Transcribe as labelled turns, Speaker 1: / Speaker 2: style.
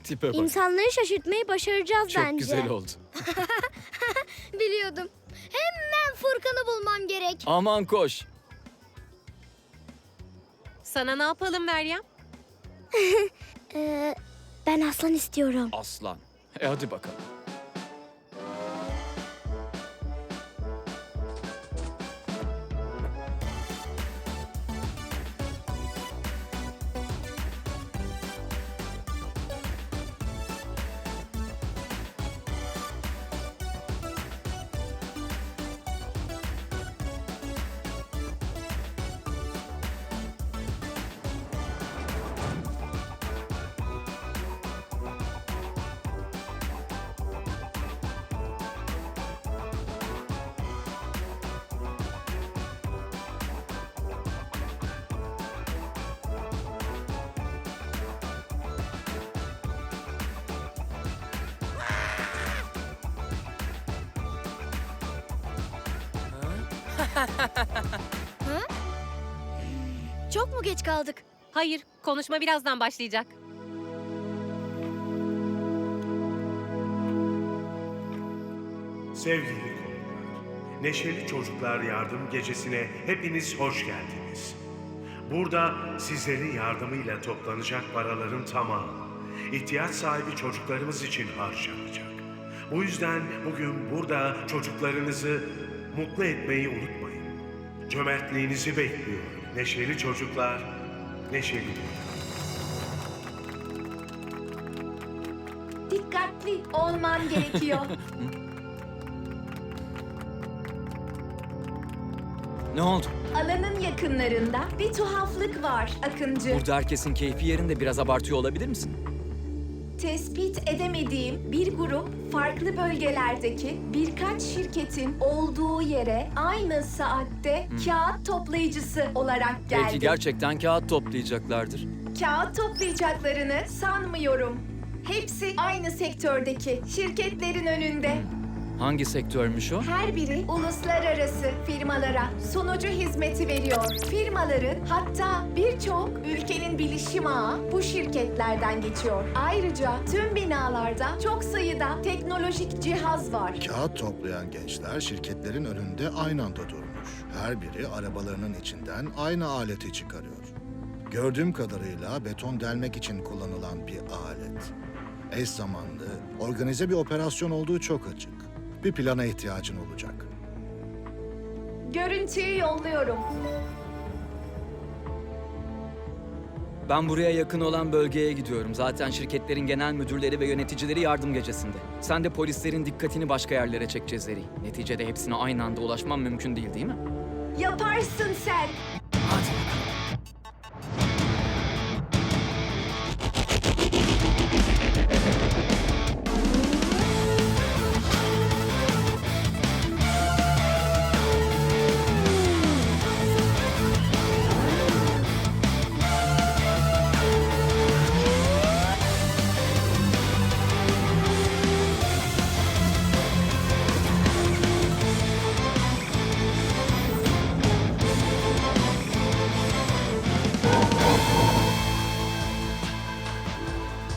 Speaker 1: Tipe bak.
Speaker 2: İnsanları şaşırtmayı başaracağız
Speaker 1: Çok
Speaker 2: bence.
Speaker 1: güzel oldu.
Speaker 2: Biliyordum. Hemen Furkan'ı bulmam gerek.
Speaker 1: Aman koş.
Speaker 3: Sana ne yapalım Meryem?
Speaker 2: Ben aslan istiyorum.
Speaker 1: Aslan. Hadi bakalım.
Speaker 2: Çok mu geç kaldık?
Speaker 3: Hayır, konuşma birazdan başlayacak.
Speaker 4: Sevgili konuklar, Neşeli Çocuklar Yardım Gecesi'ne hepiniz hoş geldiniz. Burada sizlerin yardımıyla toplanacak paraların tamamı ihtiyaç sahibi çocuklarımız için harcanacak. Bu yüzden bugün burada çocuklarınızı mutlu etmeyi unutmayın. Cömertliğinizi bekliyorum. Neşeli çocuklar, neşeli dünya.
Speaker 5: Dikkatli olman gerekiyor.
Speaker 1: Ne oldu?
Speaker 5: Alanın yakınlarında bir tuhaflık var Akıncı.
Speaker 1: Burada herkesin keyfi yerinde, biraz abartıyor olabilir misin?
Speaker 5: Tespit edemediğim bir grup farklı bölgelerdeki birkaç şirketin olduğu yere aynı saatte kağıt toplayıcısı olarak geldi.
Speaker 1: Belki gerçekten kağıt toplayacaklardır.
Speaker 5: Kağıt toplayacaklarını sanmıyorum. Hepsi aynı sektördeki şirketlerin önünde.
Speaker 1: Hangi sektörmüş o?
Speaker 5: Her biri uluslararası firmalara sunucu hizmeti veriyor. Firmaların hatta birçok ülkenin bilişim ağı bu şirketlerden geçiyor. Ayrıca tüm binalarda çok sayıda teknolojik cihaz var.
Speaker 6: Kağıt toplayan gençler şirketlerin önünde aynı anda durmuş. Her biri arabalarının içinden aynı aleti çıkarıyor. Gördüğüm kadarıyla beton delmek için kullanılan bir alet. Eş zamanlı, organize bir operasyon olduğu çok açık. Bir plana ihtiyacın olacak.
Speaker 5: Görüntüyü yolluyorum.
Speaker 1: Ben buraya yakın olan bölgeye gidiyorum. Zaten şirketlerin genel müdürleri ve yöneticileri yardım gecesinde. Sen de polislerin dikkatini başka yerlere çek Cezeri. Neticede hepsine aynı anda ulaşmam mümkün değil mi?
Speaker 5: Yaparsın sen.